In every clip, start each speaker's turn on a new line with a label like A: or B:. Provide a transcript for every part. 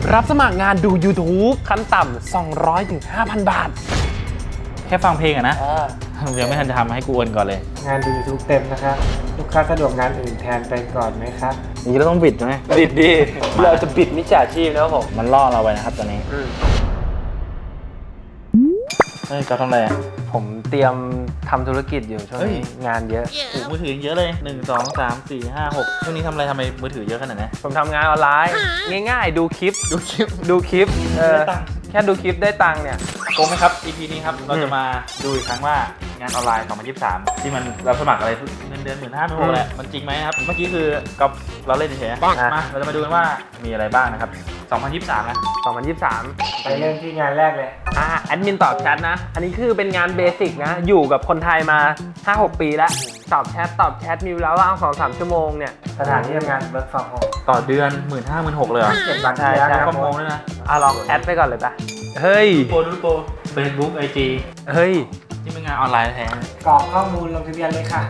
A: รับสมัครงานดู YouTube ขั้นต่ำ200 ถึง 5,000 บาท
B: แค่ฟังเพลงอะนะยังไม่ทันจะทำให้กูโอนก่อนเลย
C: งานดู YouTube เต็มนะครับลูกค้าสะดวกงานอื่นแทนไปก่อนไหมครับ
B: นี่เราต้องบิดไหม
A: บิดดิเราจะบิดมิจฉาชีพนะครับผม
B: มันล่อเราไปนะครับตอนนี้เฮ้ยจะทำอะไรอ่ะ
A: ผมเตรียมทำธุรกิจอยู่ช่วงนี้งานเยอะ
B: มือถือเยอะเลย1 2 3 4 5 6ช่วงนี้ทำอะไรทำไมมือถือเยอะขนาดนี้
A: ผมทำงานออนไลน์ง่ายๆดูคลิปแค่ดูคลิปได้ตังค์เนี่ย
B: โกงไหมครับ EP นี้ครับเราจะมาดูอีกครั้งว่างานออนไลน์2023ที่มันเราสมัครอะไรเงินเดือน15,000 16,000แหละมันจริงไหมครับเมื่อกี้คือกับเราเล่นเฉยๆมาเราจะมาดูกันว่ามีอะไรบ้างนะครับ2023นะ
A: 2023
C: ไปเรื่องที่งานแรกเลย
A: แอดมินตอบแชทนะอันนี้คือเป็นงานเบสิกนะอยู่กับคนไทยมา 5-6 ปีแล้วตอบแชทมีเวลาว่าง 2-3 ชั่วโมงเนี่ย
C: สถานที่ทำงาน work from home
B: ต่อเดือน 15,000 16,000เลยเหรอ
C: 7 วัน
A: ใช่
B: work from home ด้วยนะ
A: ลองแอดไปก่อนเลยป่ะเฮ้ย
B: ดูโปร Facebook IG
A: เฮ้ย
B: นี่เป็นงานออนไลน์แท้
C: กรอกข้อมูลลงทะเบียนเลยค่ะ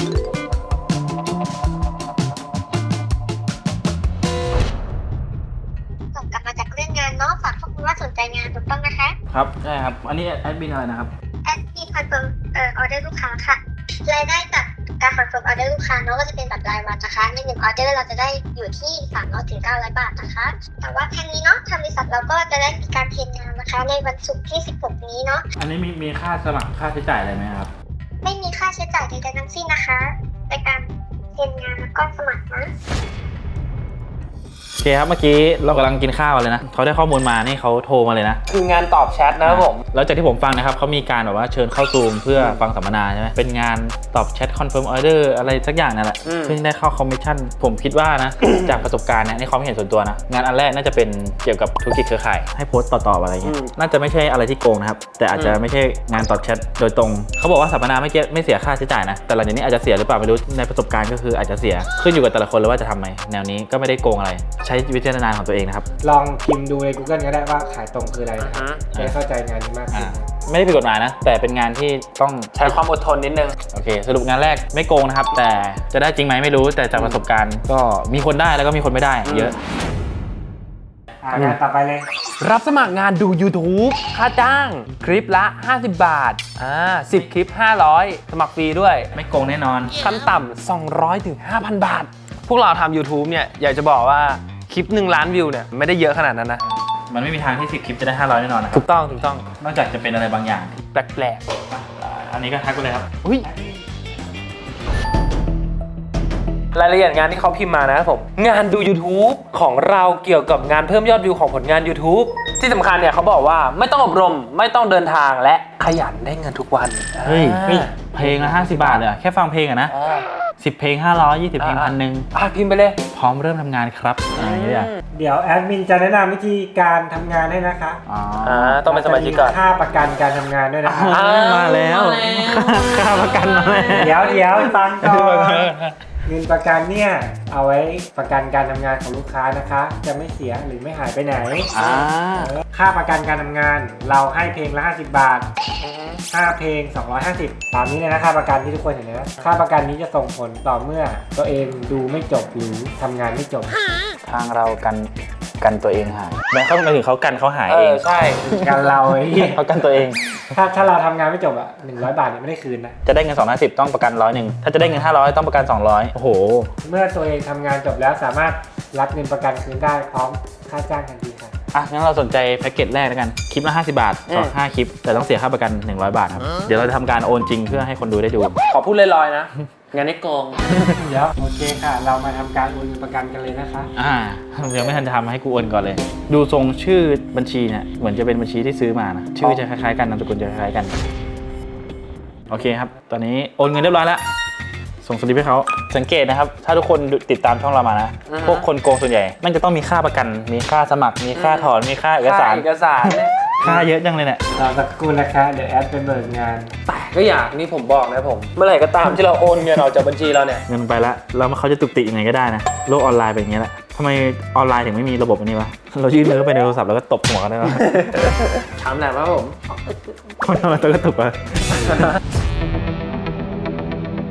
D: ส่งกลับมาจากเรื่องงานเนาะฝากข้อมูลว่าสนใจงานถูกต้องนะคะ
B: ครับใช่ครับอันนี้แอดมินอะไรนะครับ
D: แอดมินคอนเฟิร์มออเดอร์ลูกค้าค่ะรายได้จากการคอนเฟิร์มออเดอร์ลูกค้าเนาะก็จะเป็นแบบรายวันนะคะใน1 ออเดอร์เราจะได้อยู่ที่300 ถึง 900 บาทนะคะแต่ว่าทางนี้เนาะทางบริษัทเราก็จะได้มีการเทรนงานนะคะในวันศุกร์ที่16นี้เนาะ
B: อันนี้มีค่าสมัครค่าใช้จ่ายอะไรไหมครับ
D: ไม่มีค่าใช้จ่ายใดๆทั้งสิ้นนะคะในการเทรนงานแล้วก็สมัครนะ
B: โอเคครับเมื่อกี้เรากำลังกินข้าวเลยนะเขาได้ข้อมูลมานี่เขาโทรมาเลยนะ
A: คืองานตอบแชทนะครับผม
B: แล้วจากที่ผมฟังนะครับเขามีการแบบว่าเชิญเข้าซูมเพื่อฟังสัมมนาใช่ไหมเป็นงานตอบแชทคอนเฟิร์มออเดอร์อะไรสักอย่างนั่นแหละซึ่งได้เข้าคอมมิชชั่นผมคิดว่านะ จากประสบการณ์เนี่ยในความเห็นส่วนตัวนะงานอันแรกน่าจะเป็นเกี่ยวกับธุรกิจเครือข่ายให้โพสต์ต่อๆอะไรเงี้ยน่าจะไม่ใช่อะไรที่โกงนะครับแต่อาจจะไม่ใช่งานตอบแชทโดยตรงเขาบอกว่าสัมมนาไม่เสียค่าใช้จ่ายนะแต่หลังจากนี้อาจจะเสียหรือเปล่าไม่รู้ในประสบการณ์ก็คืออาจจะเสียขึ้นอยู่กับแต่ละคนเลยว่าจะทำไหมแนวนี้ก็ไม่ได้โกงอะไรใช้วิจารณญาณของตัวเองนะครับ
C: ลองพิมพ์ดูใน Google ก็ได้ว่าขายตรงคืออะไรนะครับจะได้เข้าใจงานนี้มากขึ้น
B: ไม่ได้ผิดกฎหมายนะแต่เป็นงานที่ต้อง
A: ใช้ความอดทนนิดนึง
B: โอเคสรุปงานแรกไม่โกงนะครับแต่จะได้จริงไหมไม่รู้แต่จากประสบการณ์ก็มีคนได้แล้วก็มีคนไม่ได้เยอะ
C: งานต่อไปเลย
A: รับสมัครงานดู YouTube ค่าจ้างคลิปละ50 บาท10 คลิป500สมัครฟรีด้วย
B: ไม่โกงแน่นอน
A: ขั้นต่ำ200 ถึง 5,000 บาทพวกเราทำ YouTube เนี่ยอยากจะบอกว่าคลิป1 ล้านวิวเนี่ยไม่ได้เยอะขนาดนั้นนะ
B: มันไม่มีทางที่10 คลิปจะได้500แน่นอนนะ
A: ถูกต้อง
B: นอกจากจะเป็นอะไรบางอย่างที่
A: แปลก
B: อันนี้ก็ทักไปเลยครับ
A: รายละเอียดงานที่เขาพิมพ์มานะครับผมงานดู YouTube ของเราเกี่ยวกับงานเพิ่มยอดวิวของผลงาน YouTube ที่สำคัญเนี่ยเขาบอกว่าไม่ต้องอบรมไม่ต้องเดินทางและขยันได้เงินทุกวัน
B: เฮ้ยเพลงละ50 บาทเลยแค่ฟังเพลงอะนะ10 เพลง500 20 เพลง1,000
A: พิมพ์ไปเลย
B: พร้อมเริ่มทำงานครับ
C: เดี๋ยวแอดมินจะแนะนำวิธีการทำงานให้นะคะ
A: ต้องเป็นสมาชิกก่อน
C: ค่าประกันการทำงานด้วยนะคะ
B: มาแล้วค่าประกันมา
C: แล้วเดี๋ยวฟังก่อนเงินประกันเนี่ยเอาไว้ประกันการทำงานของลูกค้านะคะจะไม่เสียหรือไม่หายไปไหนค่าประกันการทำงานเราให้เพลงละ50 บาท5 เพลง250ตามนี้เลยนะค่าประกันที่ทุกคนเห็นนะค่าประกันนี้จะส่งผลต่อเมื่อตัวเองดูไม่จบหรือทำงานไม่จบ
B: ทางเรากันตัวเองหายแม้เขาหมายถึงเขากันเขาหายเอง
A: ใช่
C: กันเรา
B: เขากันตัวเอง
C: ถ้าเราทำงานไม่จบอ่ะ100 บาทเนี่ยไม่ได้คืนนะ
B: จะได้เงิน250ต้องประกัน100ถ้าจะได้เงิน500ต้องประกัน200โอ้โห
C: เมื่อตัวเองทำงานจบแล้วสามารถรับเงินประกันคืนได้พร้อมค่าจ้างทันทีค่ะ
B: งั้นเราสนใจแพ็กเกจแรกแล้วกันคลิปละ50 บาทต่อ5 คลิปแต่ต้องเสียค่าประกัน100 บาทครับเดี๋ยวเราจะทำการโอนจริงเพื่อให้คนดูได้ดู
A: ขอพูดลอยๆนะงานนี้โกง
C: เดี๋ยวโอเคค่ะเรามาทำการโอนประกันกันเลยนะคะ
B: ยังไม่ทันทำให้กูโอนก่อนเลยดูทรงชื่อบัญชีเนี่ยเหมือนจะเป็นบัญชีที่ซื้อมานะชื่อจะคล้ายๆกันนามสกุลจะคล้ายๆกันโอเคครับตอนนี้โอนเงินเรียบร้อยแล้วส่งสลิปให้เขาสังเกตนะครับถ้าทุกคนติดตามช่องเรามานะพวกคนโกงส่วนใหญ่มันจะต้องมีค่าประกันมีค่าสมัครมีค่าถอนมีค่าเอกสารค่าเยอะจังเลยเนี่ย
C: สักครู่นะคะเดี๋ยวแอดไปเบิกงาน
A: แต่ก็อยากนี่ผมบอกนะผมเมื่อไหร่ก็ตามที่เราโอนเงินออกจากบัญชีเราเนี่ย
B: เงินไปแล้วแล้วเขาจะตุกติยังไงก็ได้นะโลกออนไลน์เป็นอย่างนี้แหละทำไมออนไลน์ถึงไม่มีระบบอันนี้วะเรายื่นมือไปในโทรศัพท์แล้วก็ตบหัวกันได้ไหม
A: ถามแหละครับผม
B: คนทำอะไรตัวก็ตุกอะ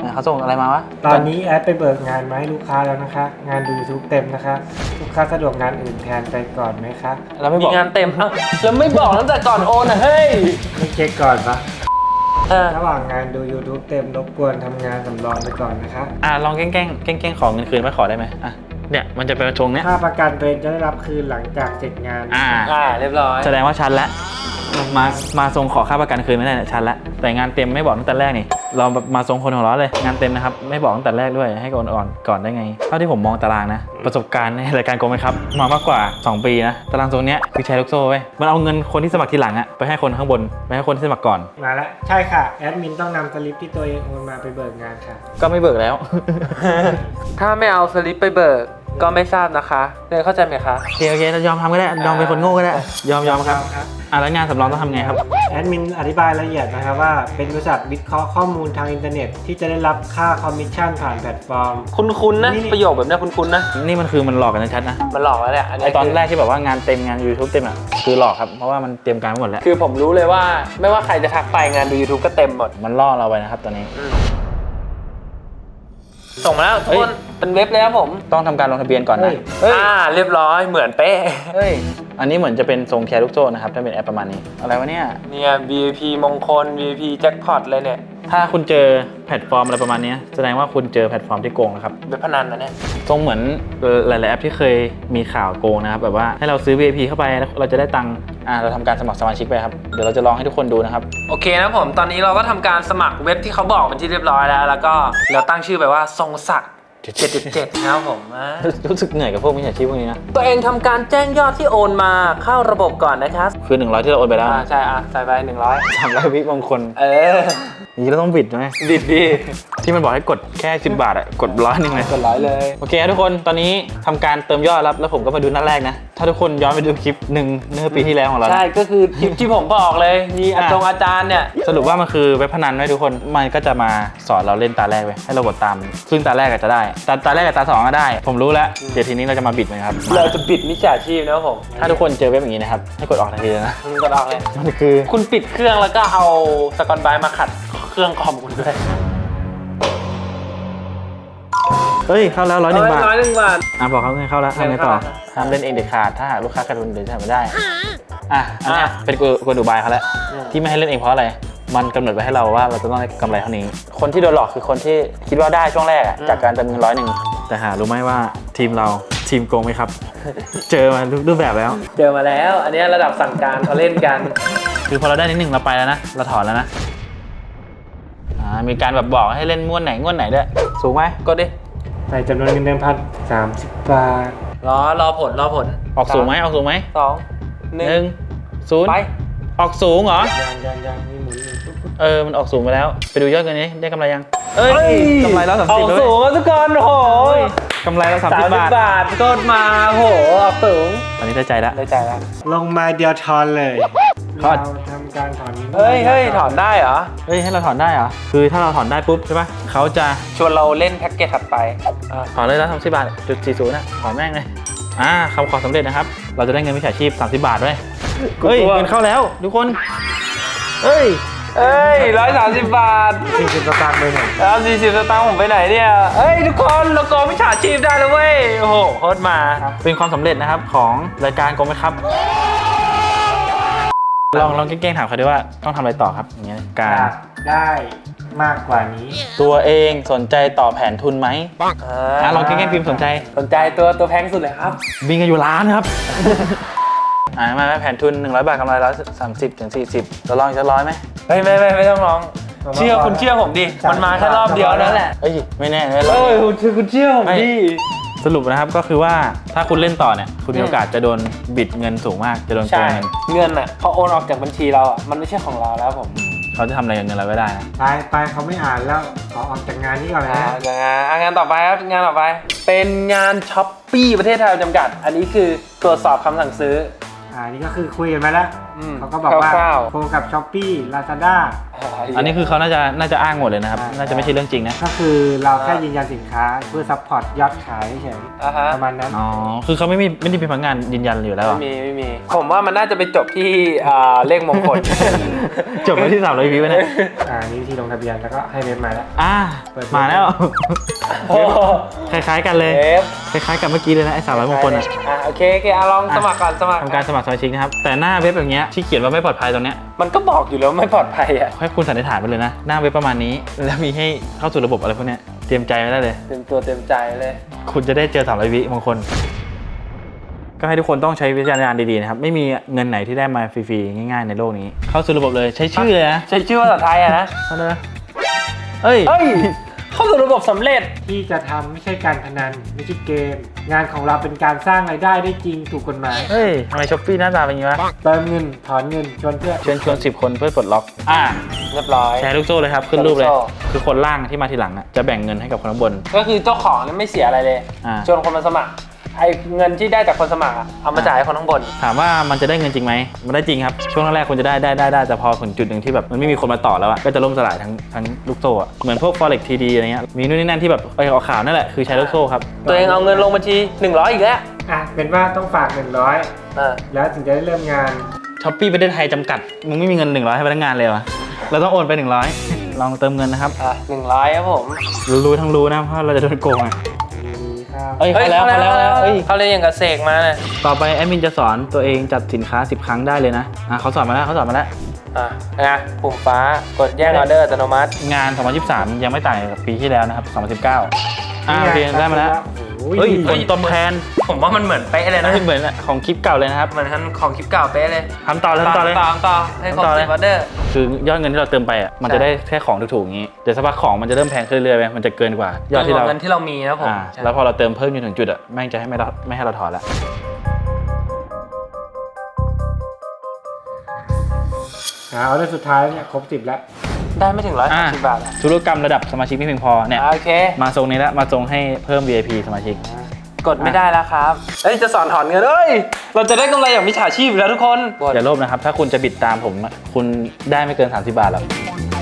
B: เนี่ยเขาส่งอะไรมาวะ
C: ตอนนี้แอดไปเบิกงานมาให้ลูกค้าแล้วนะคะ งานดู YouTube เต็มนะคะ ลูกค้าสะดวกงานอื่นแทนไปก่อนไหมคะ
B: เราไม่บ
A: มี
B: อก
A: งานเต็มเอ้าแล้วไม่บอกตั้งแต่ก่อนโอนนะเฮ้ย
C: ไม่เช็คก่อนปะ
A: เออ
C: ระหว่างงานดู YouTube เต็มรบกวนทำงานสำรองไปก่อนนะคะ
B: ลองแกล้งขอเงินคืนไว้ขอได้ไหมเนี่ยมันจะเป็นชงเนี้ย
C: ค่าประกันตัวเองจะได้รับคืนหลังจากเสร็จงาน
A: เรียบร้อย
B: แสดงว่าชันแล้วมาทรงขอค่าประกันคืนไม่ได้เนี่ยชันแล้วแต่งานเต็มไม่บอกตั้งแต่แรกนี่เรามาทรงคนของเราเลยงานเต็มนะครับไม่บอกตั้งแต่แรกด้วยให้ก่อนได้ไงเท่าที่ผมมองตารางนะประสบการณ์ในรายการโกงไหมครับมามากกว่า 2 ปีนะตารางทรงเนี้ยคือแชร์ลูกโซ่เว้ยมันเอาเงินคนที่สมัครทีหลังอะไปให้คนข้างบนไปให้คนที่สมัครก่อน
C: มาแล้วใช่ค่ะแอดมินต้องนำสลิปที่ตัวเองโอนมาไปเบิกงานค่ะ
B: ก็ไม่เบิกแล้ว
A: ถ้าไม่เอาสลิปไปเบิกก็ไม่ทราบนะคะเรียนเข้าใจไหมคะ
B: โอเคจะยอมทำก็ได้ยอมเป็นคนโง่ก็ได้ยอมครับแล้วงานสำรองต้องทำไงครับ
C: แอดมินอธิบายละเอียดนะครับว่าเป็นบริษัทวิเคราะห์ข้อมูลทางอินเทอร์เน็ตที่จะได้รับค่าคอมมิชชั่นผ่านแพลตฟอร์ม
A: คุ้นๆนะ
C: นี่
A: ประโยคแบบเนี้ยคุ้นๆนะ
B: นี่มันคือมันหลอกกันชัดๆนะ
A: มันหลอกแล้วแหละอัน
B: ไอ
A: นี้
B: ตอนแรกที่แบบว่างานเต็มงาน YouTube เต็มอ่ะคือหลอกครับเพราะว่ามันเตรียมการไว้หมดแล้ว
A: คือผมรู้เลยว่าไม่ว่าใครจะทักไปงานดู YouTube ก็เต็มหมด
B: มันล่อเราไปนะครับตอนนี้
A: ส่งมาแล้วทุกคนเป็นเว็บเลยครับผม
B: ต้องทำการลงทะเบียนก่อนนะ
A: เรียบร้อยเหมือนเป๊ะ
B: เฮ้ยอันนี้เหมือนจะเป็นทรงแชร์ลูกโซ่นะครับถ้าเป็นแอปประมาณนี้อะไรวะเนี่ย
A: เนี่ย VIP มงคล VIP แจ็คพอตเลยเนี่ย
B: ถ้าคุณเจอแพลตฟอร์มอะไรประมาณนี้แสดงว่าคุณเจอแพลตฟอร์มที่โกงนะครับ
A: เว็บพนันนะเนี่ย
B: ทรงเหมือนหลายๆแอปที่เคยมีข่าวโกงนะครับแบบว่าให้เราซื้อ VIP เข้าไปแล้วเราจะได้ตังค์เราทำการสมัครสมาชิกไปครับเดี๋ยวเราจะลองให้ทุกคนดูนะครับ
A: โอเคนะผมตอนนี้เราก็ทำการสมัครเว็บที่เขาบอกเป็นที่เรียบร้อยแล้วแล้วก็เราตั้งชื่อไปว่าทรงศักดิ์777นะครับผม
B: รู้สึกเหนื่อยกับพวกมิจฉาชีพพวกนี้นะ
A: ตัวเองทำการแจ้งยอดที่โอนมาเข้าระบบก่อนนะครับ
B: คือ100ที่เราโอนไปแล้ว
A: ใช่ใส่ไป100
B: 300วิบางคน อย่างนี้เราต้องบิดไหม
A: ดิดดี
B: ที่มันบอกให้กดแค่10 บาทอะกด100นึงเลย
A: กดร้อยเลย
B: โอเคครับทุกคนตอนนี้ทำการเติมยอดแล้วผมก็มาดูหน้าแรกนะถ้าทุกคนย้อนไปดูคลิปหนึ่งเมื่อปีที่แล้วของเรานะ
A: ใช่ก็คือคลิปที่ผมบอกเลยมีอาจารย์เนี่ย
B: สรุปว่ามันคือเว็บพนันไว้ทุกคนมันก็จะมาสอนเราเล่นตาแรกไว้ให้เรากดตามซึ่งตาแรกอาจจะได้ตาแรกกับตา2ก็ได้ ผมรู้แล้วเดี๋ยวทีนี้เราจะมาบิดมันครับ
A: เราจะบิดมิจฉาชีพนะครับผม
B: ถ้าทุกคนเจอเว็บอย่างนี้นะครับให้กดออกทันทีเลยนะ
A: กดออกเลย
B: มันคือ
A: คุณปิดเครื่องแล้วก็เอาสกอตไบรท์มาขัดเครื่องคอมคุณด้วย
B: เฮ้ยเข้าแล้ว101 บาท
A: 101 บาท
B: บอกเขาเงินเข้าแล้วทำไงต่อ
A: เงินเข้าแล้ว
B: ห้ามเล่นเองเด็ดขาดถ้าหากลูกค้าการะดุนเดี๋ยวจะทำไม่ได้อันเนี้ยเป็นกลอุบายเขาแล้วที่ไม่ให้เล่นเองเพราะอะไรมันกำหนดไว้ให้เราว่าเราจะต้องได้กำไรเท่านี้คนที่โดนหลอกคือคนที่คิดว่าได้ช่วงแรกจากการเติมเงิน101แต่หารู้ไหมว่าทีมเราทีมโกงไหมครับ เจอมารูปแบบแล้ว
A: เจอมาแล้ว อันนี้ระดับสั่งการเขาเล่นกัน
B: คือพอเราได้นิดหนึ่งเราไปแล้วนะเราถอนแล้วนะมีการแบบบอกให้เล่นงวดไหนด้วยสูงไหมกดดิ
C: ใส่จำนวนเงินเดิมพัน30 บาท
A: รอผล
B: ออกสูงไหมออกสูงไหม
A: 2
B: 1
A: ไป
B: 0ออกสูงเหรอ
C: ยังมีหมุนอยู่
B: มันออกสูงไปแล้วไปดูยอดเงินนี้ได้กำไรยังกำไรแล้ว30
A: ออกสูงแล้วทุกคนโอ้โห
B: กำไรแล้ว30 บาท
A: บาทกดมาโอ้โหออกสูง
B: ตอนนี้ได้ใจแล้ว
A: ได้ใจแล้ว
C: ลงมาเดียวทอนเลย
B: ทอน
C: เราทำการถอน
A: เฮ้ยถอนได้เหรอ
B: ให้เราถอนได้เหรอคือถ้าเราถอนได้ปุ๊บใช่ปะเขาจะ
A: ชวนเราเล่นแพ็กเกจถัดไป
B: ถอนเลยแล้ว30 บาท.40นะถอนแม่งเลยคำขอสำเร็จนะครับเราจะได้เงินมิจฉาชีพ30 บาทด้วยเฮ้ยเงินเข้าแล้วทุกคนเฮ้ย
A: 130 บาท
C: 40 สตางค์ไปหน่อย
A: แล้ว40 สตางค์ผมไปไหนเนี่ยทุกคนเราโกงมิจฉาชีพได้แล้วเว้ยโอ้โหโคตรมา
B: เป็นความสำเร็จนะครับของรายการโกงไหมครับลองแกล้งถามเขาด้วยว่าต้องทำอะไรต่อครับอย่างเงี้ยการ
C: อยากได้มากกว่านี้
B: ตัวเองสนใจต่อแผนทุนไหมลองแกล้งพิมพ์สนใจ
A: ตัวแพงสุดเลยครับ
B: บินกันอยู่ล้านครับ มาแผนทุน100 บาทกำไร130 ถึง 40เราลองอีกสัก100ไหม
A: ไม่ต้องร้องคุณเชื่อผมดิมันมาแค่รอบเดียวนั่นแหละ
B: ไม่แน่เลย
A: คุณเชื่อผมดิ
B: สรุปนะครับก็คือว่าถ้าคุณเล่นต่อเนี่ยคุณมีโอกาสจะโดนบิดเงินสูงมากจะโดนโก
A: ใช่
B: งเงิน
A: เงินอ่ะพอโอนออกจากบัญชีเราอ่ะมันไม่ใช่ของเราแล้วผม
B: เขาจะทำอะไรกับเงินเราไม่ได้นะ
C: ไปเขาไม่อ่านแล้วขอออกจากงานนี้ก่อนนะ
A: งานต่อไปครับงานต่อไป เป็นงานช้อปปี้ประเทศไทยจำกัด อันนี้คือตรวจสอบคำสั่งซื้อ
C: นี่ก็คือคุยกันมาแล้ว เขาก็บอกว่า
A: คร่าว
C: โคกับ Shopee Lazada
B: อันนี้คือเขาน่าจะอ้างหมดเลยนะครับ
C: ใช่
B: น่าจะไม่ใช่เรื่องจริงนะ
C: ก็คือเราแค่ยืนยันสินค้าเพื่อซัพพอร์ตยอดขายเฉย
A: ฮะ
C: ประมาณนั้น
B: อ๋อคือเขาไม่ได้มีพนักงานยืนยันอยู่แล้วเหรอ
A: ไม่มีผมว่ามันน่าจะไปจบที่เลขมงคล
B: จบไปที่300 วิวเนี่ย
C: นี้วิธีลงทะเบียนแล้วก็ให้เว็บมาแล้ว
B: เปิดมาแล้ว
A: โอ้
B: คล้ายๆกันเลย
A: เอฟ
B: คล้ายๆกับเมื่อกี้เลยนะไอ้300 มงคลอ่ะ
A: โอเคลองสมัครก่อนสมัคร
B: ทำการสมัครสมาชิกนะครับ แต่หน้าเว็บอย่างเงี้ยที่เขียนว่าไม่ปลอดภัยตรงเนี้ย
A: มันก็บอกอยู่แล้วไม่ปลอดภัยอ่ะ
B: ให้คุณสันนิษฐานไปเลยนะ หน้าเว็บประมาณนี้ แล้วมีให้เข้าสู่ระบบอะไรพวกเนี้ยเตรียมใจไว้ได้เลย
A: เต็มตัวเต็มใจเลย
B: คุณจะได้เจอ300 วิมงคล ก็ให้ทุกคนต้องใช้วิจารณญาณดีๆนะครับ ไม่มีเงินไหนที่ได้มาฟรีๆง่ายๆในโลกนี้ เข้าสู่ระบบเลยใช้ชื่อเลยนะ
A: ใช้ชื่อภาษาไทยอะนะ
B: เอาเลยนะเอ้ย
A: เฮ้ย เข้าสู่ระบบสำเร็จ
C: ที่จะทำไม่ใช่การพนันไม่ใช่เกม งานของเราเป็นการสร้างรายได้ได้จริงถูกกฎหมาย
B: เฮ้ยทำไมช้อปปี้หน้าตาเป็นอย่างนี้วะ
C: เติมเงินถอนเงินชวนเพื่อน
B: เชิญชวน10 คนเพื่อปลดล็อก
A: เรียบร้อย
B: แชร์ลูกโซ่เลยครับ ขึ้นรูปเลย
A: แชร์ลูกโซ่
B: คือคนล่างที่มาทีหลังอะจะแบ่งเงินให้กับคนข้างบน
A: ก็คือเจ้าของเนี่ยไม่เสียอะไรเลย
B: อ่า
A: ชวนคนมาสมัคร ไอ้เงินที่ได้จากคนสมัครอะเอามาจ่ายให้คนข้างบน
B: ถามว่ามันจะได้เงินจริงไหม มันได้จริงครับ ช่วงแรกๆคุณจะได้แต่พอถึงจุดหนึ่งที่แบบมันไม่มีคนมาต่อแล้วอะก็จะล่มสลายทั้งลูกโซ่อะเหมือนพวก forex TD อะไรเงี้ย มีนู่นนี่นั่นที่แบบออกข่าวนั่นแหละ คือใช้ลูกโซ่ครับ
A: ตัวเองเอาเงินลงบัญชี100อีกแล้ว
C: เป็นว่าต้องฝาก 100 แล้วถึงจะได้เริ่มงาน
B: ช้อปปี้ประเทศไทยจำกัด มึงไม่มีเงิน100ให้พนักงานเลยวะเราต้องโอนไป100ลองเติมเงินนะครับ
A: 100ครับผม
B: รู้ทั้งรู้นะเพราะเราจะโดนโกงอะ
C: ดีครับ
B: เอ้ยเข้าแล้วเอ้ย
A: เขาเรียนอย่างกับเสกมาเนี่ย
B: ต่อไปแอดมินจะสอนตัวเองจัดสินค้า10 ครั้งได้เลยนะเขาสอนมาแล้ว
A: นะปุ่มฟ้ากดแยกออเดอร์อัตโนมัติ
B: งาน 2023 ยังไม่ต่างกับปีที่แล้วนะครับ 2019โอเคได้มาแล้ว
C: โอ้ย
B: เฮ้ยผลตอบแทน
A: ผมว่ามันเหมือนเป๊ะเลยนะ
B: เหมือนของคลิปเก่าเลยนะครับ
A: เหมือนของคลิปเก่าเป๊ะเลย
B: ทำต่อเลย
A: ต่อให้ครบ10ออเดอร์
B: คือยอดเงินที่เราเติมไปอ่ะมันจะได้แค่ของถูกๆอย่างนี้เดี๋ยวสักพักของมันจะเริ่มแพงขึ้นเรื่อยๆไปมันจะเกินกว่ายอดที่เรา
A: เงินที่เรามีนะผม
B: แล้วพอเราเติมเพิ่มจนถึงจุดอ่ะแม่งจะให้ไม่ให้เราถอนละ
C: ออเดอร์สุดท้ายเนี่ยครบ 10 แล้ว
A: ได้ไม่ถึง130 บาทอะ
B: ธุรกรรมระดับสมาชิกไม่เพียงพอเนี่ย
A: โอเค
B: มาทรงนี้แล้วมาทรงให้เพิ่ม VIP สมาชิก
A: กดไม่ได้แล้วครับจะสอนถอนเงินเราจะได้กำไรอย่างมิจฉาชีพอยู่แล้วทุกคน
B: อย่าโลภนะครับถ้าคุณจะบิดตามผมอะคุณได้ไม่เกิน30 บาทหรอก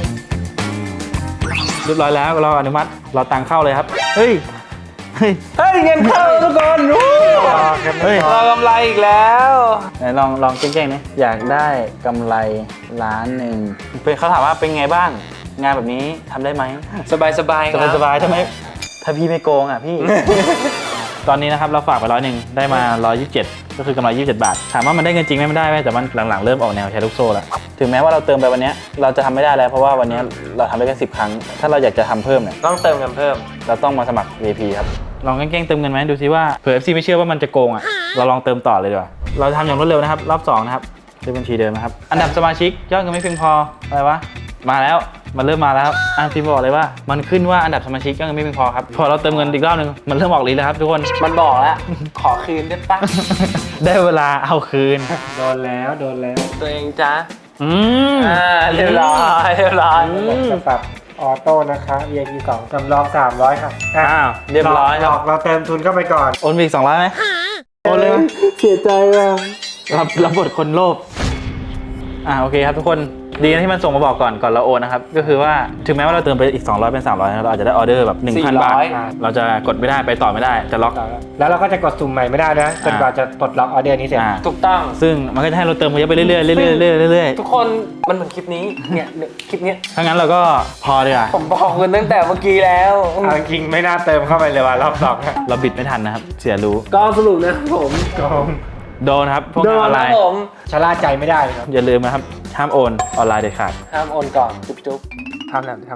B: เรียบร้อยแล้วเราอนุมัติเราตังเข้าเลยครับเฮ้ย
A: เงินเข้าทุกคน
B: เฮ้ย
A: เรากำไรอีกแล้ว
B: ไหนลองเก่งๆนี่อยากได้กำไร1,000,000เป็นเขาถามว่าเป็นไงบ้างงานแบบนี้ทำได้ไหม
A: สบายครับ
B: สบายทำไมถ้าพี่ไม่โกงอ่ะพี่ ตอนนี้นะครับเราฝากไป100ได้มา127ก็คือกำไร27 บาทถามว่ามันได้เงินจริงไหมมันได้ไหมแต่มันหลังๆเริ่มออกแนวใช้ลูกโซ่แล้วถึงแม้ว่าเราเติมไปวันนี้เราจะทำไม่ได้แล้วเพราะว่าวันนี้เราทำได้แค่10 ครั้งถ้าเราอยากจะทำเพิ่มเนี่ย
A: ต้องเติมเงินเพิ่ม
B: เราต้องมาสมัคร VIP ครับลองเก่งๆเติมเงินไหมดูซิว่าเผื่อ FC ไม่เชื่อว่ามันจะโกงอ่ะเราลองเติมต่อเลยดีกว่าเราทำอย่างรวดเร็วนะครับรอบ2นะครับด้วยบัญชีเดิมนะครับอันดับสมาชิกยอดเงินไม่เพียงพออะไรวะมาแล้วมันเริ่มมาแล้วฟิล์มบอกเลยว่ามันขึ้นว่าอันดับสมาชิกยอดเงินไม่เพียงพอครับพอเราเติมเงินอีกรอบนึงมันเริ่มออกลีแล้วครับทุกคน
A: มันบอกแล้ว ขอคืนได้ปะ
B: ได้เวลาเอาคืน
C: โดนแล้ว
A: ตัวเองจ้า
B: เ
A: เรียบร้อย
C: จะปรับออโต้นะคะ VIP 2สำรอง300ค่ะ
B: อ้าวเรียบร้อยครับ
C: เราเติมทุนเข้าไปก่อน
B: โอนไปอีก200ไหมโอนเลยไหม
C: เสียใจว่ะ
B: รับบทคนโลภโอเคครับทุกคนดีนะที่มันส่งมาบอกก่อนเราโอนนะครับก็คือว่าถึงแม้ว่าเราเติมไปอีก200เป็น300เราอาจจะได้ออเดอร์แบบ 1,000 บาทเราจะกดไม่ได้ไปต่อไม่ได้จะล็อก
C: แล้วเราก็จะกดสุ่มใหม่ไม่ได้นะจนกว่าจะปลดล็อกออเดอร์นี้เสร็จ
A: ถูกต้อง
B: ซึ่งมันก็จะให้เราเติมเยอะไปเรื่อยๆเรื่อยๆ
A: ทุกคนมันเหมือนคลิปนี้เนี่ยคลิปเนี้ย
B: ถ้างั้นเราก็พอเลยอ่ะ
A: ผมบอกคุณตั้งแต่เมื่อกี้แล้ว
C: เอาจริงๆไม่น่าเติมเข้าไปเลยว่ะรอบสองอะ
B: เราบิดไม่ทันนะครับเสียรู้
A: ก็สรุปนะผม
C: โกง
B: โดนครับพวกงานออนไลน์
A: ผม
C: ชะล่าใจไม่ได้ครับ
B: อย่าลืมนะครับห้ามโอนออนไลน์เด็ดขาด
A: ห้ามโอนก่อนจุ๊บทำแหลม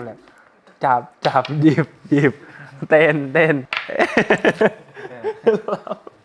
A: จับหยิบเต้น